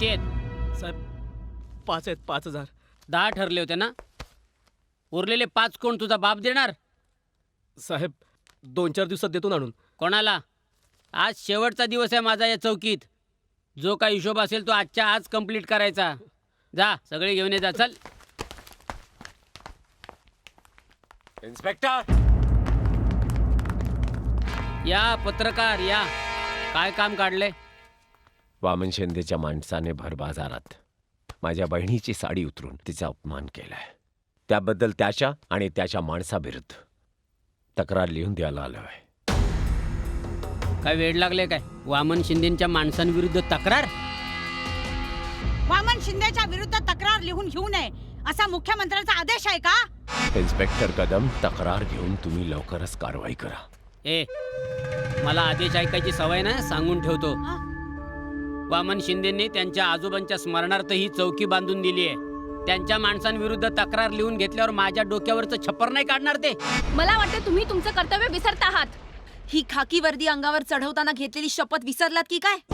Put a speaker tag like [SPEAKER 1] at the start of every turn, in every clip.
[SPEAKER 1] किती आहेत?
[SPEAKER 2] साहेब 5 आहेत, 5,000.
[SPEAKER 1] 10 ठरले होते ना? उरलेले 5 कोण तुझा बाप देणार?
[SPEAKER 2] साहेब 2-4 दिवसात देतो ना आणून.
[SPEAKER 1] कोणाला? आज शेवटचा दिवस आहे माझा या चौकीत. जो काही हिशोब असेल तो आजच्या आज कंप्लीट करायचा. जा सगळे घेऊन ये जा. चल.
[SPEAKER 3] इन्स्पेक्टर
[SPEAKER 1] या पत्रकार या. काय काम काढले?
[SPEAKER 3] वामन शिंदेच्या माणसाने भर बाजारात माझ्या बहिणीची साडी उतरून तिचा अपमान केलाय. त्याबद्दल त्याच्या आणि त्याच्या माणसाविरुद्ध तक्रार लिहून द्यायला आलोय.
[SPEAKER 1] काय वेळ लागले काय? वामन शिंदेच्या माणसांविरुद्ध तक्रार?
[SPEAKER 4] वामन शिंदेच्या विरुद्ध तक्रार लिहून घेऊ नये असा मुख्यमंत्र्यांचा आदेश आहे का?
[SPEAKER 3] इन्स्पेक्टर कदम, तक्रार घेऊन तुम्ही लवकरच कारवाई करा.
[SPEAKER 1] ए मला आदेश ऐकायची सवय ना, सांगून ठेवतो. वामन शिंदेंनी त्यांच्या आजोबांच्या स्मरणार्थ ही चौकी बांधून दिली आहे. त्यांच्या माणसांविरुद्ध तक्रार लिहून घेतल्यावर माझ्या डोक्यावरचं छप्पर नाही काढणार ते.
[SPEAKER 5] मला वाटतं तुम्ही तुमचं कर्तव्य विसरत आहात.
[SPEAKER 6] ही खाकी वर्दी अंगावर चढवताना घेतलेली शपथ विसरलात की काय?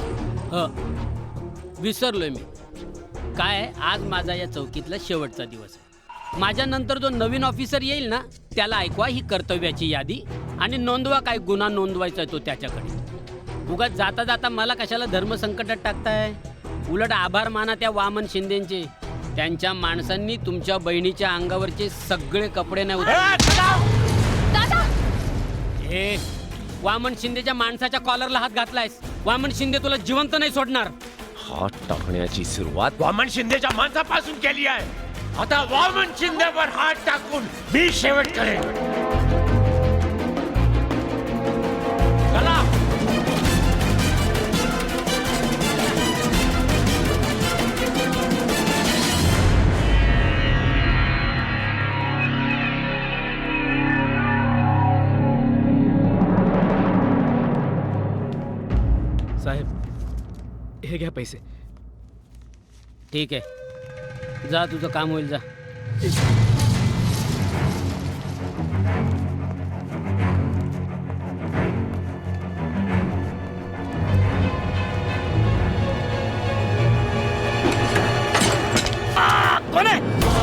[SPEAKER 1] विसरलोय मी. काय आज माझा या चौकीतला शेवटचा दिवस आहे. माझ्या नंतर जो नवीन ऑफिसर येईल ना त्याला ऐकवा ही कर्तव्याची यादी आणि नोंदवा काय गुन्हा नोंदवायचा तो त्याच्याकडे. उगाच जाता जाता मला कशाला धर्मसंकटात टाकताय. उलट आभार माना त्या वामन शिंदेचे. त्यांच्या माणसांनी तुमच्या बहिणीच्या अंगावरचे सगळे कपडे नाही
[SPEAKER 5] दादा
[SPEAKER 1] हे वामन शिंदेच्या माणसाच्या कॉलरला हात घातलायस. वामन शिंदे तुला जिवंत नाही सोडणार.
[SPEAKER 3] हात टाकण्याची सुरुवात वामन शिंदेच्या माणसापासून केली आहे. आता वामन शिंदेवर हात टाकून मी शेवट करेन. चला.
[SPEAKER 2] साहेब हे घ्या पैसे.
[SPEAKER 1] ठीक आहे जा तुझं काम होईल जा.
[SPEAKER 2] कोण आहे?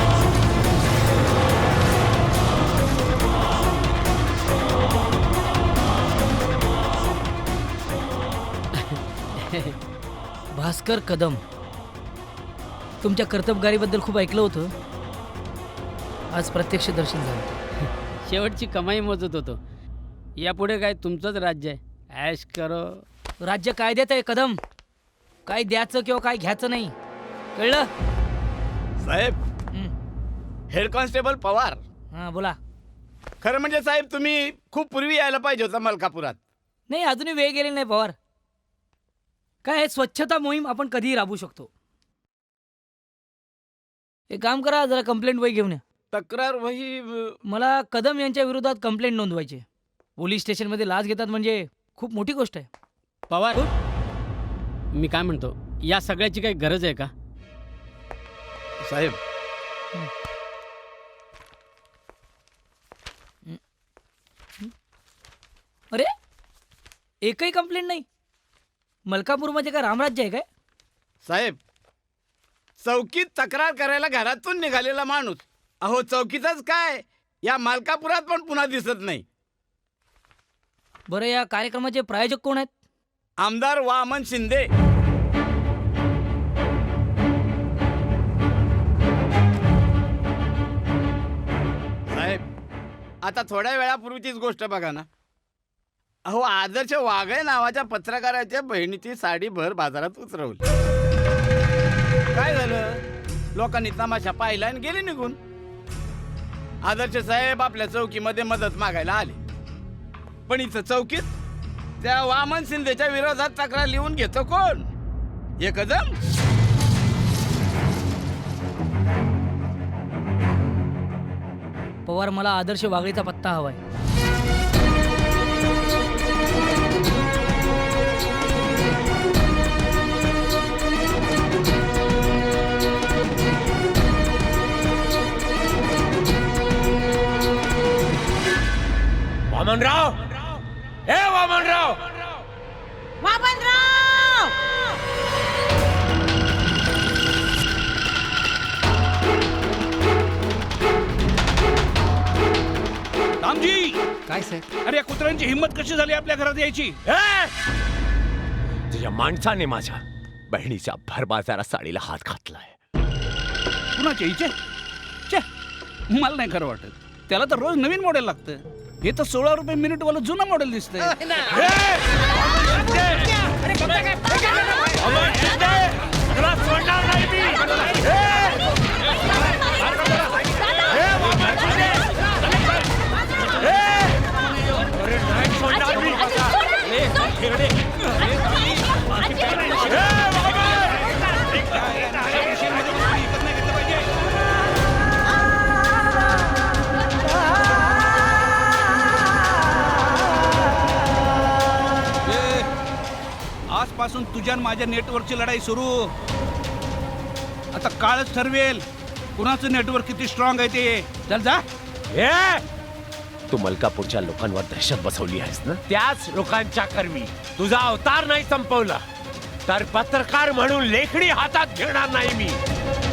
[SPEAKER 7] भास्कर कदम, तुमच्या कर्तबगारीबद्दल खूप ऐकलं होतं. आज प्रत्यक्ष दर्शन झालं.
[SPEAKER 1] शेवटची कमाई मोजत होतो. यापुढे काय तुमचंच राज्य आहे. ऐश करो.
[SPEAKER 7] राज्य कायद्यात आहे कदम. काय द्यायचं किंवा काय घ्यायचं नाही, कळलं?
[SPEAKER 8] साहेब हेड कॉन्स्टेबल पवार.
[SPEAKER 7] हां बोला.
[SPEAKER 8] खरं म्हणजे साहेब तुम्ही खूप पूर्वी यायला पाहिजे होता मलकापुरात.
[SPEAKER 7] नाही अजूनही वेळ गेलेला नाही पवार. काय आहे, स्वच्छता मोहीम आपण कधीही राबवू शकतो. एक काम करा, जरा कंप्लेंट वही घेऊन या.
[SPEAKER 8] तक्रार वही
[SPEAKER 7] मला कदम यांच्या विरोधात कंप्लेंट नोंदवायची. पोलीस स्टेशनमध्ये लाच घेतात म्हणजे खूप मोठी गोष्ट आहे.
[SPEAKER 1] पवार मी काय म्हणतो, या सगळ्याची काही गरज आहे का?
[SPEAKER 8] साहेब
[SPEAKER 7] अरे एकही कंप्लेंट नाही. मलकापूर म्हणजे काय रामराज्य आहे काय?
[SPEAKER 8] साहेब चौकीत तक्रार करायला घरातून निघालेला माणूस अहो चौकीतच काय या मलकापुरात पण पुन्हा दिसत नाही.
[SPEAKER 7] बरं या कार्यक्रमाचे प्रायोजक कोण आहेत?
[SPEAKER 8] आमदार वामन शिंदे. साहेब आता थोड्या वेळापूर्वीचीच गोष्ट बघा ना. अहो आदर्श वाघळे नावाच्या पत्रकाराच्या बहिणीची साडी भर बाजारात उतरवली. काय झालं? लोकांनी तमाशा पाहिला आणि गेले निघून. आदर्श साहेब आपल्या चौकीमध्ये मदत मागायला आले. पण इथं चौकीत त्या वामन शिंदेच्या विरोधात तक्रार लिहून घेतो कोण? हे कदम.
[SPEAKER 7] पवार मला आदर्श वागळेचा पत्ता हवाय.
[SPEAKER 3] वामनराव, हे वामनराव.
[SPEAKER 4] वामनराव
[SPEAKER 9] काय साहेब?
[SPEAKER 10] अरे या कुत्र्यांची हिंमत कशी झाली आपल्या घरात यायची?
[SPEAKER 3] तुझ्या माणसाने माझ्या बहिणीच्या भरबाजारा साडीला हात घातलाय.
[SPEAKER 10] कुणाच्या हिचे? छे, मला नाही खरं वाटत. त्याला तर रोज नवीन मॉडेल लागतं. हे तर 16 रुपये मिनिट वाला जुनं मॉडेल दिसतंय. आजपासून तुझ्या आणि माझ्या नेटवर्कची लढाई सुरू. आता काळच ठरवेल कुणाचं नेटवर्क किती स्ट्रॉंग आहे ते. चल जा.
[SPEAKER 3] तू मलकापूरच्या लोकांवर दहशत बसवली आहेस ना, त्याच लोकांच्या कर्मी तुझा अवतार नाही संपवला तर पत्रकार म्हणून लेखणी हातात घेणार नाही मी.